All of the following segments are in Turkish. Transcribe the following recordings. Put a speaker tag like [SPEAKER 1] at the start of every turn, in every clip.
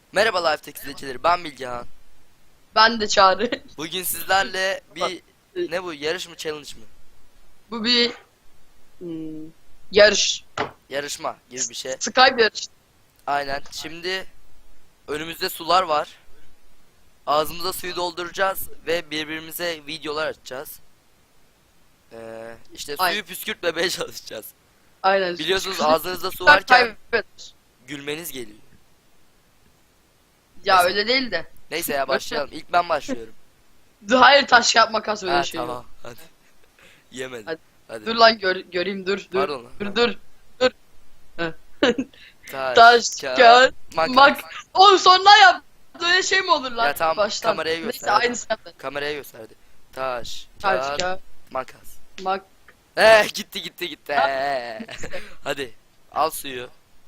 [SPEAKER 1] Merhaba Lifetech izleyicileri, ben Bilgehan.
[SPEAKER 2] Ben de Çağrı.
[SPEAKER 1] Bugün sizlerle bir ne bu, yarış mı, challenge mı?
[SPEAKER 2] Bu bir yarış.
[SPEAKER 1] Yarışma gibi bir şey.
[SPEAKER 2] Skype yarış.
[SPEAKER 1] Aynen. Şimdi önümüzde sular var. Ağzımıza suyu dolduracağız ve birbirimize videolar atacağız. İşte suyu
[SPEAKER 2] Aynen.
[SPEAKER 1] püskürtmemeye çalışacağız.
[SPEAKER 2] Aynen.
[SPEAKER 1] Biliyorsunuz ağzınızda su varken
[SPEAKER 2] Evet.
[SPEAKER 1] gülmeniz geliyor.
[SPEAKER 2] Ya öyle değil de.
[SPEAKER 1] Neyse ya, başlayalım. İlk ben başlıyorum.
[SPEAKER 2] Hayır, taş kağıt makas öyle
[SPEAKER 1] Ha,
[SPEAKER 2] şey.
[SPEAKER 1] tamam hadi. Yemedim.
[SPEAKER 2] Hadi.
[SPEAKER 1] Hadi.
[SPEAKER 2] Dur lan göreyim dur.
[SPEAKER 1] Pardon lan.
[SPEAKER 2] Dur.
[SPEAKER 1] Taş,
[SPEAKER 2] Taş kağıt
[SPEAKER 1] makas.
[SPEAKER 2] Oğlum sonra yap. Böyle şey mi olur lan?
[SPEAKER 1] Ya tamam,
[SPEAKER 2] Baştan.
[SPEAKER 1] kameraya
[SPEAKER 2] Neyse
[SPEAKER 1] göster.
[SPEAKER 2] aynısı yaptı.
[SPEAKER 1] Kameraya gösterdi. Taş,
[SPEAKER 2] Taş
[SPEAKER 1] kağıt,
[SPEAKER 2] kağıt
[SPEAKER 1] makas.
[SPEAKER 2] mak.
[SPEAKER 1] Gitti. Hadi al suyu.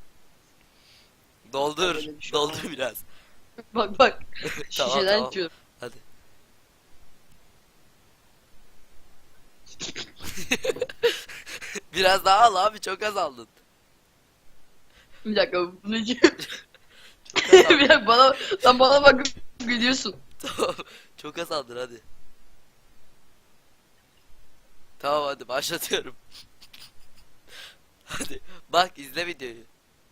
[SPEAKER 1] Doldur.
[SPEAKER 2] Öyle bir şey
[SPEAKER 1] Doldur biraz.
[SPEAKER 2] Bak.
[SPEAKER 1] Tamam,
[SPEAKER 2] Şişeden
[SPEAKER 1] tamam.
[SPEAKER 2] içiyorum.
[SPEAKER 1] Hadi. Biraz daha al abi, çok az aldın.
[SPEAKER 2] Bir dakika bunu içiyorum.
[SPEAKER 1] Çok az aldın.
[SPEAKER 2] Bir dakika sen bana bak gülüyorsun.
[SPEAKER 1] Tamam. Çok az aldın, hadi. Tamam hadi başlatıyorum. Hadi bak, izle videoyu.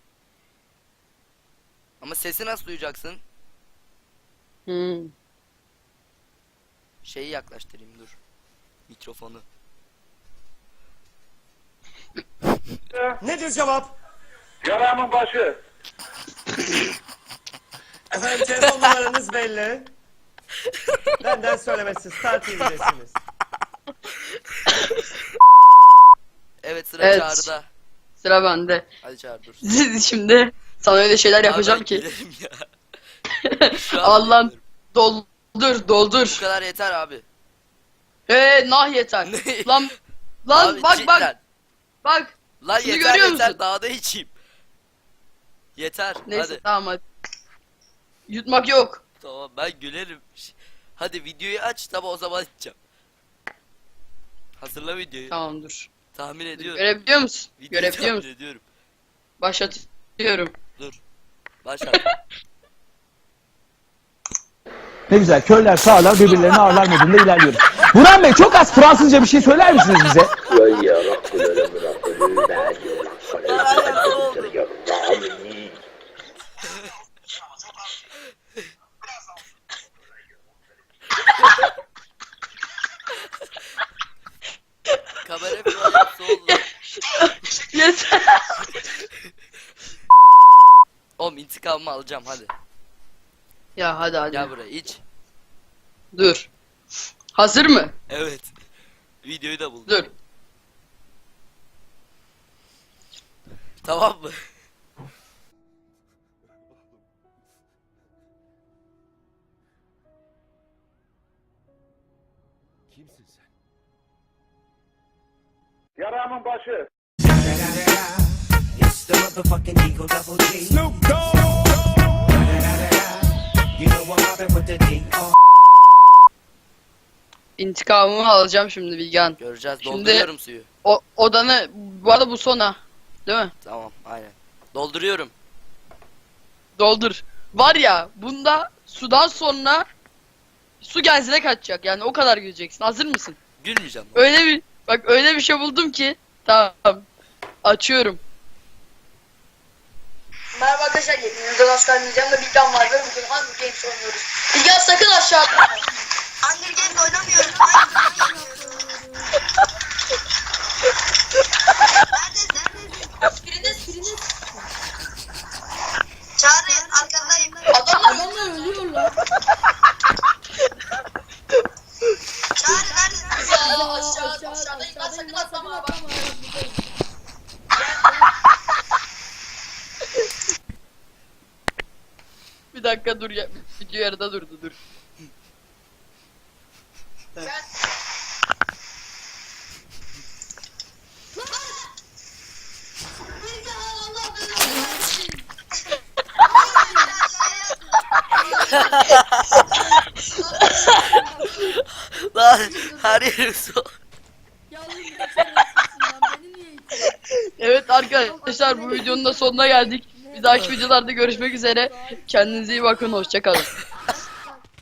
[SPEAKER 1] Ama sesi nasıl duyacaksın? Şeyi yaklaştırayım, dur. Mikrofonu.
[SPEAKER 3] Nedir cevap?
[SPEAKER 4] Yaramın başı.
[SPEAKER 3] Efendim telefon numaranız belli. Benden söylemesi Star TV'desiniz.
[SPEAKER 1] Evet, sıra
[SPEAKER 2] Evet.
[SPEAKER 1] Çağrı'da.
[SPEAKER 2] Sıra bende.
[SPEAKER 1] Hadi Çağrı dur.
[SPEAKER 2] Şimdi sana öyle şeyler yapacağım
[SPEAKER 1] Abi,
[SPEAKER 2] ki.
[SPEAKER 1] gidelim ya. Şu an
[SPEAKER 2] Allah'ım
[SPEAKER 1] gidiyorum. Bu
[SPEAKER 2] doldur.
[SPEAKER 1] kadar yeter abi.
[SPEAKER 2] Nah yeter.
[SPEAKER 1] Ne?
[SPEAKER 2] Lan
[SPEAKER 1] Abi,
[SPEAKER 2] bak
[SPEAKER 1] cidden.
[SPEAKER 2] bak.
[SPEAKER 1] Lan
[SPEAKER 2] Şunu
[SPEAKER 1] yeter
[SPEAKER 2] görüyor
[SPEAKER 1] yeter,
[SPEAKER 2] musun?
[SPEAKER 1] daha da içeyim. Yeter
[SPEAKER 2] Neyse
[SPEAKER 1] hadi.
[SPEAKER 2] tamam hadi. Yutmak yok.
[SPEAKER 1] Tamam, ben gülerim. Hadi videoyu aç, tamam o zaman içeceğim. Hazırla videoyu.
[SPEAKER 2] Tamam dur.
[SPEAKER 1] Tahmin ediyorum.
[SPEAKER 2] Görebiliyor musun?
[SPEAKER 1] Videoyu
[SPEAKER 2] Görebiliyor
[SPEAKER 1] tahmin
[SPEAKER 2] musun?
[SPEAKER 1] ediyorum.
[SPEAKER 2] Başlatıyorum.
[SPEAKER 1] Dur. Başlat.
[SPEAKER 5] Ne güzel, körler sağlar birbirlerini ağırlar modunda ilerliyoruz. Burhan Bey, çok az Fransızca bir şey söyler misiniz bize?
[SPEAKER 1] Kamera falan yapsa oldu.
[SPEAKER 2] Yeter.
[SPEAKER 1] Oğlum, intikamımı alacağım, hadi.
[SPEAKER 2] Ya hadi.
[SPEAKER 1] Gel buraya, iç.
[SPEAKER 2] Dur. Hazır mı?
[SPEAKER 1] Evet. Videoyu da buldum.
[SPEAKER 2] Dur.
[SPEAKER 1] Tamam mı?
[SPEAKER 3] Kimsin sen?
[SPEAKER 4] Yaramın başı.
[SPEAKER 6] It's the motherfucking Eagle Double G. Snoop Dogg. You know I'm mobbing with the D.R.
[SPEAKER 2] İntikamımı alacağım şimdi Bilgehan.
[SPEAKER 1] Göreceğiz.
[SPEAKER 2] Şimdi-
[SPEAKER 1] Dolduruyorum suyu.
[SPEAKER 2] Odanı bu arada bu sona. Değil mi?
[SPEAKER 1] Tamam, aynen. Dolduruyorum.
[SPEAKER 2] Doldur. Var ya bunda sudan sonra su genzine kaçacak. Yani o kadar güleceksin. Hazır mısın?
[SPEAKER 1] Gülmeyeceğim.
[SPEAKER 2] Öyle bir şey buldum ki. Tamam. Açıyorum.
[SPEAKER 7] Merhaba arkadaşlar, yepyeni Oscar Nizam'da Bilgehan var ve bugün Hunger Games oynuyoruz. Bilgehan sakın aşağı atma. Hunger Games oynamıyoruz. Neredesin? Çağrı, arkandayım. Adamlar ölüyor lan. Çağrı neredesin? Aşağıdayım lan, sakın atlama bak.
[SPEAKER 2] Bir dakika dur ya. Video yarıda durdu dur.
[SPEAKER 7] Gel. Bilgehan, Allah belanı versin.
[SPEAKER 1] Lan her yerim su.
[SPEAKER 2] Evet arkadaşlar, bu videonun da sonuna geldik. Bir dahaki videolarda görüşmek üzere. Kendinize iyi bakın. Hoşçakalın.